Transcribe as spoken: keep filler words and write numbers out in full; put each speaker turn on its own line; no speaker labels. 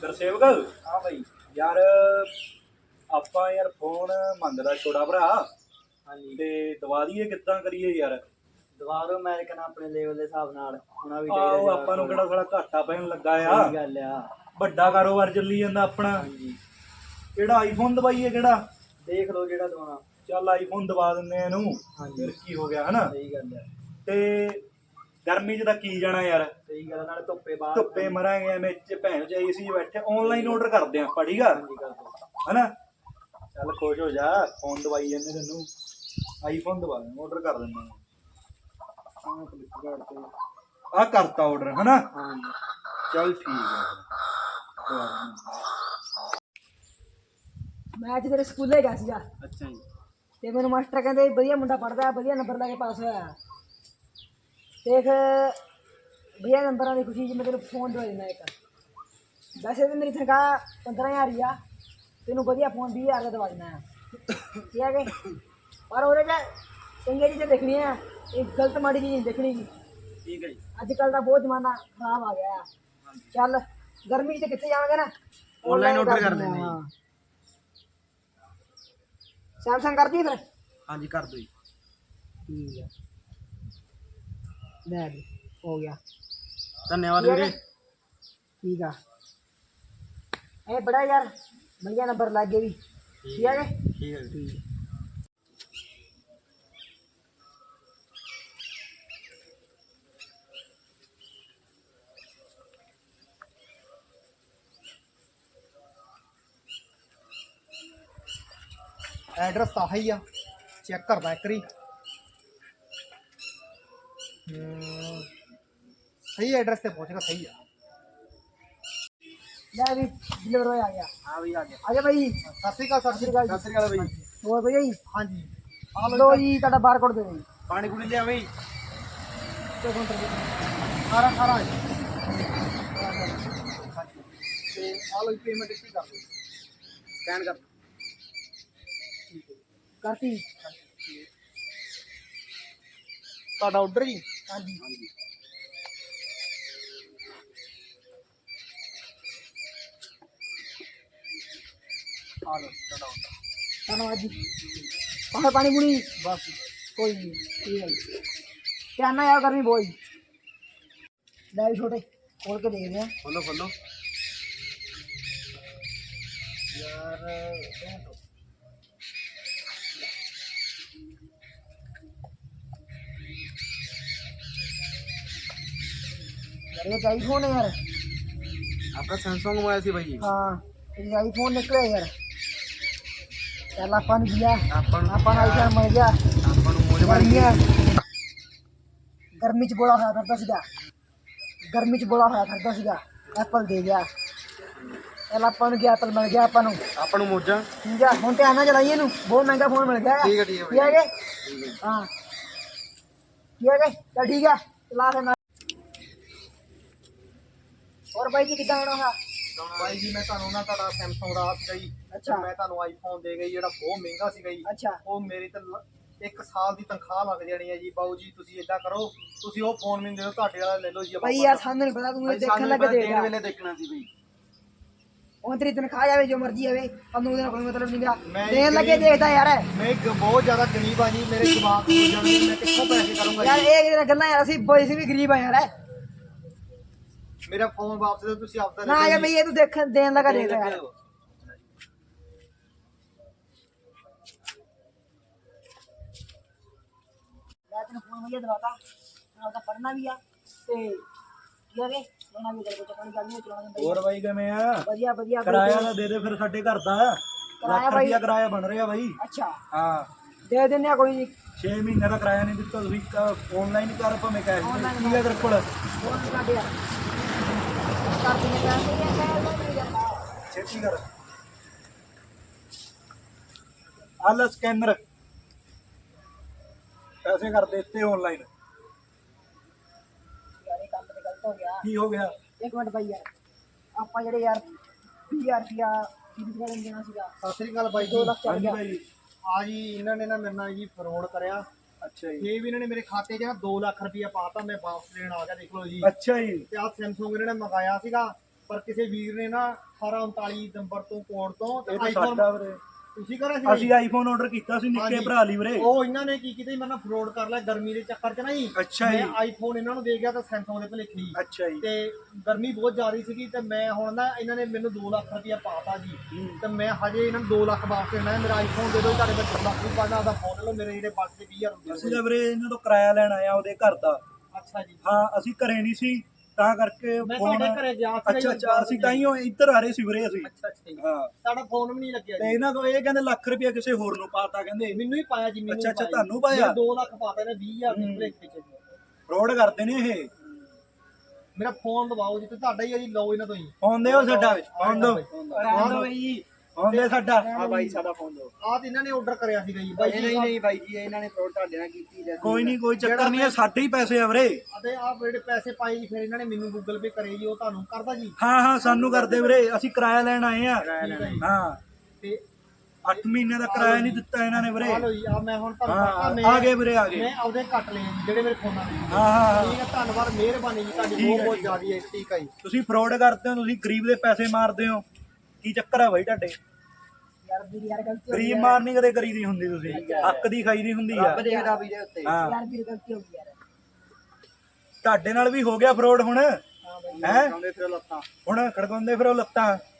ਗੁਰਸੇਵਕ
हाँ भाई।
ਯਾਰ ਆਪਾਂ ਯਾਰ ਫੋਨ ਮੰਗਦਾ ਛੋਟਾ ਭਰਾ
हाँ जी।
ਤੇ ਦਵਾ ਦਈਏ ਕਿੱਦਾਂ ਕਰੀਏ ਯਾਰ।
दवा दो मैं कहना अपने लेवल के हिसाब नाल होना भी
ਆਹੋ
चाहिए।
ਆਪਾਂ ਨੂੰ ਕਿਹੜਾ ਸਾਲਾ ਘਾਟਾ ਪੈਣ ਲੱਗਾ ਆ।
सही गल आ।
ਵੱਡਾ ਕਾਰੋਬਾਰ ਚੱਲੀ ਜਾਂਦਾ ਆਪਣਾ।
हाँ जी।
ਕਿਹੜਾ ਆਈਫੋਨ ਦਵਾਈਏ ਕਿਹੜਾ?
देख लो जेड़ा दवाना।
ਚੱਲ ਆਈਫੋਨ ਦਵਾ ਦਿੰਦੇ ਆ ਇਹਨੂੰ।
हाँ जी।
ਫਿਰ ਕੀ ਹੋ ਗਿਆ ਹਨਾ।
सही गल आ।
ਤੇ ਗਰਮੀ 'ਚ ਤਾਂ ਕੀ ਜਾਣਾ ਯਾਰ।
सही गल नाले धुप्पे बाहर
ਧੁੱਪੇ ਮਰਾਂਗੇ ਐਵੇਂ ਚ ਭੈਣ ਚ ਏਸੀ ਬੈਠੇ ਆਨਲਾਈਨ ਆਰਡਰ ਕਰਦੇ ਆ ਆਪਾਂ ਠੀਕ ਆ
हाँ जी कर दो।
ਹਨਾ। ਚੱਲ ਖੁਸ਼ ਹੋ ਜਾ ਫੋਨ ਦਵਾਈ ਜਾਂਦੇ ਤੈਨੂੰ ਆਈਫੋਨ ਦਵਾ ਦੇ ਆਰਡਰ ਕਰ ਦਿੰਦਾ
हाँ फ्लिपकार्ट पे।
ਆ ਕਰਤਾ ਆਰਡਰ ਹਨਾ।
हाँ जी।
ਚੱਲ ਠੀਕ ਆ ਦਵਾ ਦਿੰਦਾ।
ਮੈਂ ਅੱਜ ਤੇਰੇ ਸਕੂਲੇ ਗਿਆ ਸੀਗਾ
अच्छा जी।
ਤੇ ਮੈਨੂੰ ਮਾਸਟਰ ਕਹਿੰਦੇ ਵਧੀਆ ਮੁੰਡਾ ਪੜਦਾ ਵਧੀਆ ਨੰਬਰ ਲੈ ਕੇ ਪਾਸ ਹੋਇਆ। ਦੇਖ ਵਧੀਆ ਨੰਬਰਾਂ ਦੀ ਖੁਸ਼ੀ 'ਚ ਮੈਂ ਤੈਨੂੰ ਫੋਨ ਦਵਾ ਦਿੰਦਾ ਇੱਕ। ਵੈਸੇ ਤਾਂ ਮੇਰੀ ਤਨਖਾਹ ਪੰਦਰਾਂ ਹਜ਼ਾਰ ਹੀ ਆ, ਤੈਨੂੰ ਵਧੀਆ ਫੋਨ ਵੀਹ ਹਜ਼ਾਰ ਦਾ ਦਵਾ ਦਿੰਦਾ ਆ ਠੀਕ ਹੈ ਕਿ। ਪਰ ਉਹਦੇ 'ਚ ਚੰਗੀਆਂ ਚੀਜ਼ਾਂ ਦੇਖਣੀਆਂ, ਇਹ ਗਲਤ ਮਾੜੀ ਚੀਜ਼ ਨਹੀਂ ਦੇਖਣੀ।
ठीक है जी।
ਅੱਜ ਕੱਲ੍ਹ ਦਾ ਬਹੁਤ ਜ਼ਮਾਨਾ ਖਰਾਬ ਆ ਗਿਆ ਆ। ਚੱਲ ਗਰਮੀ 'ਚ ਕਿੱਥੇ ਜਾਵਾਂਗੇ ਨਾ
ऑनलाइन ऑर्डर कर देंगे।
ਹਾਂ सैमसंग कर दी फिर।
हाँ जी कर दो जी।
ठीक है ले भी हो गया।
धन्यवाद वीरे।
ठीक है ए बड़ा यार भैया नंबर लग गए भी ठीक है
ठीक है।
ठीक है।
एड्रैस तो ही आ चेक करदा एक बारी। सही एड्रैस पे पहुंचेगा सही है।
ले भी डिलीवर हो आ गया।
हाँ भाई आ गया।
आजा भाई
सत श्री अकाल सत श्री अकाल सत श्री अकाल भाई।
और भैया जी
हाँ जी आ
लो जी ਤੁਹਾਡਾ ਬਾਰਕੋਡ ਦੇ ਦਿਓ ਜੀ।
पानी पूरी लिया भाई।
ਤੇ ਕਾਊਂਟਰ ਤੇ
अठारह अठारह आ लो पेमेंट इतनी कर दो स्कैन कर।
ਕਰਤੀ।
ਤੁਹਾਡਾ ਆਰਡਰ ਜੀ।
ਹਾਂਜੀ
ਆ ਲਓ ਤੁਹਾਡਾ ਆਰਡਰ।
ਧੰਨਵਾਦ ਜੀ। ਪਾਣੀ ਪਾਣੀ ਪੂਣੀ
ਬਸ
ਕੋਈ ਨਹੀਂ ਠੀਕ ਹੈ ਜੀ। ਧਿਆਨ ਨਾਲ ਯਾਰ ਕਰਨੀ ਬੋਈ। ਲੈ ਵੀ ਛੋਟੇ ਖੋਲ ਕੇ ਦੇਖਦੇ ਆ
ਖੋਲੋ ਖੋਲੋ
ਯਾਰ। यार ये आईफोन है यार।
आपका सैमसंग मोबाइल सी भाई।
हाँ ये आईफोन निकले यार। चल अपन दिया
अपन
अपन आईफोन मिल गया।
अपन मुझे बन
गर्मियाँ गर्मी च बोला होया करता सीगा गर्मी च बोला होया करता सीगा एप्पल दे गया। चल अपन गया एप्पल मिल गया अपन
अपन मोजा।
ठीक है हुण ध्यान नाल चलाइए नू बहुत महंगा फोन मिल गया।
ठीक है ठीक है
ठीक है
भाई।
कि? हाँ ठीक है कि? चल ठीक है चला फिर। और भाई जी कितना होना है?
भाई जी मैं ਤੁਹਾਨੂੰ ਨਾ ਤੁਹਾਡਾ ਸੈਮਸੰਗ ਦਾ ਸੀਗਾ ਜੀ।
ਅੱਛਾ।
ਮੈਂ ਤੁਹਾਨੂੰ ਆਈਫੋਨ ਦੇ ਗਈ ਜਿਹੜਾ ਬਹੁਤ ਮਹਿੰਗਾ ਸੀਗਾ ਜੀ।
अच्छा
ਉਹ ਮੇਰੀ ਤਾਂ ਲ- ਇੱਕ ਸਾਲ ਦੀ ਤਨਖਾਹ ਲੱਗ ਜਾਣੀ ਹੈ ਜੀ। ਬਾਊ ਜੀ ਤੁਸੀਂ ਏਦਾਂ ਕਰੋ ਤੁਸੀਂ ਉਹ ਫੋਨ ਮੈਨੂੰ ਦੇ ਦਿਓ ਤੁਹਾਡੇ ਵਾਲਾ ਲੈ ਲਓ ਜੀ।
भाई यार सामने नहीं पता तू
भाई
देखने
ਸਾਨੂੰ
लगे
ਪਹਿਲਾਂ
देगा
ਦੇਣ ਵੇਲੇ ਦੇਖਣਾ ਸੀ ਬਈ।
और तेरी तनख्वाह आवे जो मर्जी आवे हम दिन कोई मतलब नहीं
मैं
मेरा देन लगे
गरीब-
देखता यार।
ਮੈਂ ਇੱਕ ਬਹੁਤ ਜ਼ਿਆਦਾ ਗਰੀਬ ਆ ਜੀ। ਮੇਰੇ ਦਿਮਾਗ ਤੋਂ ਜਾਣਗੇ ਮੈਂ ਕਿੱਥੋਂ ਪੈਸੇ ਕਰੂੰਗਾ
यार
ਜੀ।
एक दिन गल्ला यार ਅਸੀਂ ਬੋਏ ਸੀ ਵੀ ਗਰੀਬ ਆ ਯਾਰ।
ਮੇਰਾ ਫੋਨ ਵਾਪਸ ਦੇ ਤੁਸੀਂ ਆਪਦਾ
ਨਾ ਯਾਰ ਭਈ ਇਹ ਤੂੰ ਦੇਖ ਦੇਣ ਲਗਾ ਦੇਖਦਾ ਯਾਰ। ਮੈਂ ਤੈਨੂੰ ਫੋਨ ਵਧੀਆ ਦਵਾਤਾ ਮੈਂ ਉਹਦਾ ਪੜਨਾ ਵੀ ਆ ਤੇ ਕੀ ਆ ਕੇ ਲੈਣਾ ਵੀ ਤੇਰੇ ਕੋਲ ਚੱਕਣ ਗੱਲ ਨਹੀਂ ਚਲਾਉਣਾ ਦਿੰਦਾ
ਹੋਰ ਬਾਈ ਕਿਵੇਂ ਆ?
ਵਧੀਆ ਵਧੀਆ
ਕਿਰਾਇਆ ਤਾਂ ਦੇ ਦੇ ਫਿਰ ਸਾਡੇ ਘਰ ਦਾ।
ਕਿਰਾਇਆ
ਲੱਖ
ਬਾਈ।
ਰੁਪਇਆ ਕਿਰਾਇਆ ਬਣ ਰਿਹਾ ਬਾਈ।
ਅੱਛਾ
ਹਾਂ
ਦੇ ਦਿੰਦੇ ਆ ਕੋਈ ਨਹੀਂ।
ਛੇ ਮਹੀਨੇ ਦਾ ਕਿਰਾਇਆ ਨਹੀਂ ਦਿੱਤਾ ਤੁਸੀਂ ਆਨਲਾਈਨ ਕਰ ਭਾਵੇਂ ਕੈਸ਼
Online
ਕੀ ਹੈ ਤੇਰੇ ਕੋਲ?
ਫੋਨ ਨਹੀਂ ਕੱਢ ਯਾਰ ਕਰ ਦਿੰਦੇ ਪੈਸੇ ਜਾਂ ਕਹਿ ਲਓ ਨਹੀਂ ਜਾਂਦਾ।
ਛੇਤੀ ਕਰ ਆਲ ਸਕੈਨਰ ਪੈਸੇ ਕਰ ਦੇ ਦਿੱਤੇ ਆਨਲਾਈਨ।
ਯਾਰ ਇਹ ਕੰਮ ਤੇ ਗਲਤ ਹੋ ਗਿਆ।
ਕੀ ਹੋ ਗਿਆ?
ਇੱਕ ਮਿੰਟ ਭਾਈ ਯਾਰ ਆਪਾਂ ਜਿਹੜੇ ਯਾਰ ਵੀਹ ਹਜ਼ਾਰ ਰੁਪਇਆ ਫੀਸ ਕਰਨ ਦੇਣਾ ਸੀਗਾ
ਸਤਿ ਸ੍ਰੀ ਅਕਾਲ ਬਾਈ
ਦੋ
ਜੀ।
ਲੱਖ ਚੱਲ
ਹਾਂਜੀ
ਗਿਆ।
ਭਾਈ।
ਆ ਜੀ ਇਹਨਾਂ ਨੇ ਨਾ ਮੇਰੇ ਨਾਲ ਜੀ ਫਰੋਡ ਕਰਿਆ।
ਅੱਛਾ ਜੀ।
ਇਹ ਵੀ ਇਹਨਾਂ ਨੇ ਮੇਰੇ ਖਾਤੇ 'ਚ ਨਾ ਦੋ ਲੱਖ ਰੁਪਇਆ ਪਾਤਾ। ਮੈਂ ਵਾਪਸ ਲੈਣ ਆ ਗਿਆ ਦੇਖ ਲਓ ਜੀ।
ਅੱਛਾ ਜੀ।
ਤੇ ਆਹ ਸੈਮਸੰਗ ਇਹਨਾਂ ਨੇ ਮੰਗਾਇਆ ਸੀਗਾ ਪਰ ਕਿਸੇ ਵੀਰ ਨੇ ਨਾ ਅਠਾਰਾਂ ਉਨਤਾਲੀ ਨੰਬਰ ਤੋਂ ਕੋਡ ਤੋਂ ਤੇ
ਇਹ ਤਾਂ
ਆਈਫੋਨ
ਸਾਡਾ ਵੀਰੇ
ਤੁਸੀਂ ਕਰਿਆ ਸੀ
ਅਸੀਂ ਆਈਫੋਨ ਆਰਡਰ ਕੀਤਾ ਸੀ ਨਿੱਕੇ
ਹਾਂਜੀ।
ਭਰਾ ਲਈ ਵੀਰੇ।
ਉਹ ਇਹਨਾਂ ਨੇ ਕੀ ਕੀਤਾ ਜੀ, ਮੈਨੂੰ ਫਰੋਡ ਕਰ ਲਿਆ ਗਰਮੀ ਦੇ ਚੱਕਰ 'ਚ ਨਾ ਜੀ।
ਅੱਛਾ ਜੀ।
ਮੈਂ ਆਈਫੋਨ ਇਹਨਾਂ ਨੂੰ ਦੇ ਗਿਆ ਤਾਂ ਸੈਮਸੰਗ ਦੇ ਭੁਲੇਖੇ ਜੀ।
ਅੱਛਾ ਜੀ।
ਤੇ ਗਰਮੀ ਬਹੁਤ ਜ਼ਿਆਦਾ ਸੀਗੀ ਤੇ ਮੈਂ ਹੁਣ ਨਾ ਇਹਨਾਂ ਨੇ ਮੈਨੂੰ ਦੋ ਲੱਖ ਰੁਪਇਆ ਪਾਤਾ ਜੀ। ਤੇ ਮੈਂ ਹਜੇ ਇਹਨਾਂ ਨੂੰ ਦੋ ਲੱਖ ਵਾਪਸ ਦੇਣਾ। ਮੇਰਾ ਆਈਫੋਨ ਦੇ ਦਿਓ, ਤੁਹਾਡੇ ਕੋਲ ਦੋ ਲੱਖ ਵੀ ਪਾਣਾ, ਉਹਦਾ ਫੋਨ ਲੈ ਲਓ, ਮੇਰੇ ਜਿਹੜੇ ਬਚਦੇ ਵੀਹ ਹਜ਼ਾਰ ਰੁਪਏ।
ਅਸੀਂ ਤਾਂ ਵੀਰੇ ਇਹਨਾਂ ਤੋਂ ਕਿਰਾਇਆ ਲੈਣ ਆਇਆ ਉਹਦੇ ਘਰ ਦਾ।
ਅੱਛਾ ਜੀ।
ਹਾਂ ਅਸੀਂ ਘਰੇ ਨਹੀਂ ਸੀ ਤਾਂ ਕਰਕੇ
ਮੈਂ
ਫੋਨ।
ਤੁਹਾਡੇ ਘਰੇ ਗਿਆ ਸੀ।
ਅੱਛਾ ਅੱਛਾ ਅਸੀਂ ਤਾਂ ਹੀ ਇੱਧਰ ਆ ਰਹੇ ਸੀ ਵੀਰੇ ਅਸੀਂ।
ਅੱਛਾ ਅੱਛਾ ਜੀ।
ਹਾਂ
ਸਾਡਾ ਫੋਨ ਵੀ ਨਹੀਂ ਲੱਗਿਆ
ਤੇ
ਜੀ।
ਇਹਨਾਂ ਤੋਂ ਇਹ ਕਹਿੰਦੇ ਲੱਖ ਰੁਪਇਆ ਕਿਸੇ ਹੋਰ ਨੂੰ ਪਾਤਾ ਕਹਿੰਦੇ।
ਮੈਨੂੰ ਹੀ ਪਾਇਆ ਜੀ। ਮੈਨੂੰ
ਅੱਛਾ ਅੱਛਾ
ਪਾਇਆ।
ਤੁਹਾਨੂੰ ਪਾਇਆ।
ਦੋ ਲੱਖ ਪਾਤਾ ਇਹਨੇ ਵੀਹ ਹਜ਼ਾਰ ਦੇ ਭੁਲੇਖੇ 'ਚ।
ਫਰੋਡ ਕਰਦੇ ਨੇ ਇਹ।
ਮੇਰਾ ਫੋਨ ਦਬਾਓ ਜੀ ਤੇ ਤੁਹਾਡਾ ਹੀ ਹੈ ਜੀ, ਲਓ ਇਹਨਾਂ ਤੋਂ ਹੀ।
ਫੋਨ ਦਿਓ ਸਾਡਾ। ਫੋਨ ਦਿਓ।
ਫੋਨ ਦਿਓ ਬਈ।
ਫੋਨ ਦੇ ਸਾਡਾ।
ਹਾਂ ਬਾਈ ਸਾਡਾ ਫੋਨ ਦਿਓ।
ਆਹ ਤੇ ਇਹਨਾਂ ਨੇ ਆਰਡਰ ਕਰਿਆ ਸੀਗਾ ਜੀ ਬਾਈ
ਨਹੀਂ
ਜੀ।
ਨਹੀਂ ਨਹੀਂ ਬਾਈ ਜੀ ਇਹਨਾਂ ਨੇ ਫਰੋਡ ਤੁਹਾਡੇ ਨਾਲ ਕੀਤੀ ਜਾਂ
ਕੋਈ ਨਹੀਂ ਕੋਈ ਚੱਕਰ ਨਹੀਂ ਹੈ, ਸਾਡੇ ਹੀ ਪੈਸੇ ਆ ਵੀਰੇ।
ਅਤੇ ਆਹ ਜਿਹੜੇ ਪੈਸੇ ਪਾਏ ਜੀ ਫਿਰ ਇਹਨਾਂ ਨੇ ਮੈਨੂੰ ਗੂਗਲ ਪੇ ਕਰੇ ਜੀ, ਉਹ ਤੁਹਾਨੂੰ ਕਰਦਾ ਜੀ।
ਹਾਂ ਹਾਂ ਸਾਨੂੰ ਕਰਦੇ ਵੀਰੇ, ਅਸੀਂ ਕਿਰਾਇਆ ਲੈਣ ਆਏ ਆ।
ਠੀਕ ਹੈ ਜੀ।
ਹਾਂ
ਤੇ
ਅੱਠ ਮਹੀਨੇ ਦਾ ਕਿਰਾਇਆ ਨਹੀਂ ਦਿੱਤਾ ਇਹਨਾਂ ਨੇ ਵੀਰੇ।
ਆ ਲਓ ਜੀ, ਆ ਮੈਂ ਹੁਣ ਤੁਹਾਨੂੰ ਪਤਾ
ਹਾਂ
ਮੈਂ
ਆ ਗਏ ਵੀਰੇ ਆ ਗਏ।
ਮੈਂ ਆਪਦੇ ਕੱਟ ਲਏ ਜੀ ਜਿਹੜੇ ਮੇਰੇ ਫੋਨਾਂ ਦੇ।
ਹਾਂ ਹਾਂ ਹਾਂ
ਠੀਕ ਹੈ, ਧੰਨਵਾਦ, ਮਿਹਰਬਾਨੀ ਜੀ ਤੁਹਾਡੀ
ਠੀਕ
ਬਹੁਤ
ਹੈ,
ਬਹੁਤ
ਠੀਕ
ਜ਼ਿਆਦਾ ਹੈ। ਠੀਕ ਹੈ ਜੀ।
ਤੁਸੀਂ ਫਰੋਡ ਕਰਦੇ ਹੋ, ਤੁਸੀਂ ਗਰੀਬ ਦੇ ਪੈਸੇ ਮਾਰਦੇ ਹੋ। ਕੀ ਚੱਕਰ ਹੈ ਬਾਈ ਤੁਹਾਡੇ?
ਯਾਰ ਵੀਰ ਯਾਰ ਗਲਤੀ ਹੋ ਗਈ
ਗਰੀਬ ਮਾਰਨੀ ਕਦੇ ਕਰੀਦੀ ਹੁੰਦੀ, ਤੁਸੀਂ ਹੱਕ ਦੀ ਖਾਈ ਦੀ ਹੁੰਦੀ ਆ।
ਰੱਬ ਦੇਖਦਾ ਵੀਰੇ ਉੱਤੇ।
ਹਾਂ
ਯਾਰ ਵੀਰ ਗਲਤੀ ਹੋ ਗਈ ਯਾਰ।
ਤੁਹਾਡੇ ਨਾਲ ਵੀ ਹੋ ਗਿਆ ਫਰੋਡ ਹੁਣ।
ਹਾਂ ਬਈ।
ਹੈ
ਆਉਂਦੇ ਫਿਰ ਲੱਤਾਂ
ਹੁਣ ਖੜਕਾਉਂਦੇ ਫਿਰ ਉਹ ਲੱਤਾਂ।